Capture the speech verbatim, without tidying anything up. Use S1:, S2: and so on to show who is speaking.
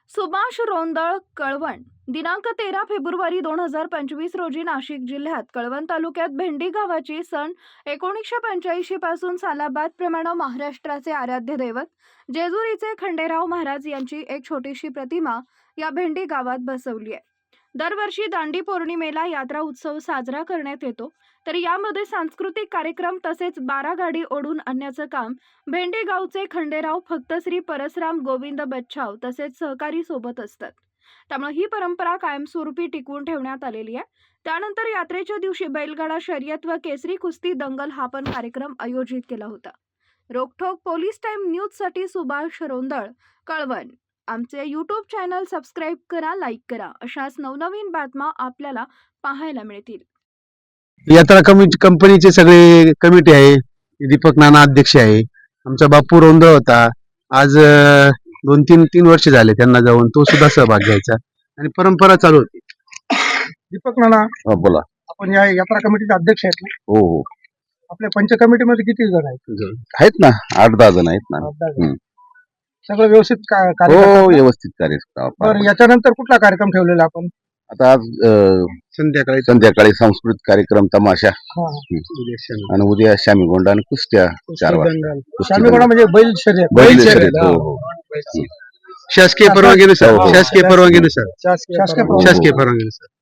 S1: सुभाष रोंदळ कळवण दिनांक तेरा फेब्रुवारी दोन हजार पंचवीस रोजी नाशिक जिल्ह्यात कळवण तालुक्यात भेंडी गावाची सन एकोणीसशे पंच्याऐंशी पासून सालाबाद प्रमाणे महाराष्ट्राचे आराध्य दैवत जेजुरीचे खंडेराव महाराज यांची एक छोटीशी प्रतिमा या भेंडी गावात बसवली आहे। दरवर्षी दांडी पौर्णिमेला यात्रा उत्सव साजरा करण्यात येतो, तर यामध्ये सांस्कृतिक कार्यक्रम तसेच बारा गाडी ओढून आणण्याचं काम भेंडी गावचे खंडेराव फक्त श्री परसराम गोविंद बच्छाव तसेच सहकारी सोबत असतात। त्यामुळे ही परंपरा कायमस्वरूपी टिकवून ठेवण्यात आलेली आहे। त्यानंतर यात्रेच्या दिवशी बैलगाडा शर्यत व केसरी कुस्ती दंगल हा पण कार्यक्रम आयोजित केला होता। रोकठोक पोलीस टाइम न्यूज साठी सुभाष रोंदळ कळवण। आमचे यूट्यूब चॅनल सबस्क्राईब करा, लाईक करा, अशाच नवनवीन बातम्या आपल्याला पाहायला मिळतील।
S2: यात्रा कमिटी कंपनीचे सगळे कमिटी आहे, दीपक नाना अध्यक्ष आहे, आमचा बापू रोंदळ होता। आज अं, दोन तीन तीन वर्ष झाले त्यांना जाऊन, तो सुद्धा सहभाग घ्यायचा आणि परंपरा चालू होती।
S3: दीपक नाना,
S4: हा, बोला.
S3: आपण या यात्रा कमिटीचे अध्यक्ष आहेत ना?
S4: हो हो
S3: आपल्या पंच कमिटीमध्ये किती जण आहेत?
S4: आहेत ना, आठ दहा जण आहेत ना.
S3: आठ दहा जण.
S4: हम्म.
S3: सगळं व्यवस्थित का-
S4: हो
S3: कार्य करतात ना?
S4: व्यवस्थित कार्य करतो
S3: बरं,
S4: आपण.
S3: याच्यानंतर कुठला कार्यक्रम ठेवलेला आपण?
S4: आता आज अं,
S2: संध्याकाळी
S4: संध्याकाळी सांस्कृतिक कार्यक्रम तमाशा
S3: हा, हा.
S4: आणि उद्या शामी गोंडा आणि कुस्त्या चार वाजता.
S3: दंगल.
S4: कुस्ती
S3: शामी गोळा म्हणजे बैल शर्यत.
S4: बैल
S3: बैल
S4: शर्यत,
S3: शर्यत,
S4: हो,
S3: हा.
S4: हो.
S2: शासकीय परवानगीनुसार
S4: हो, हो.
S2: शासकीय परवानगीनुसार
S3: शासकीय
S4: हो,
S3: परवानगी.
S4: हो.
S2: शासकीय परवानगीनुसार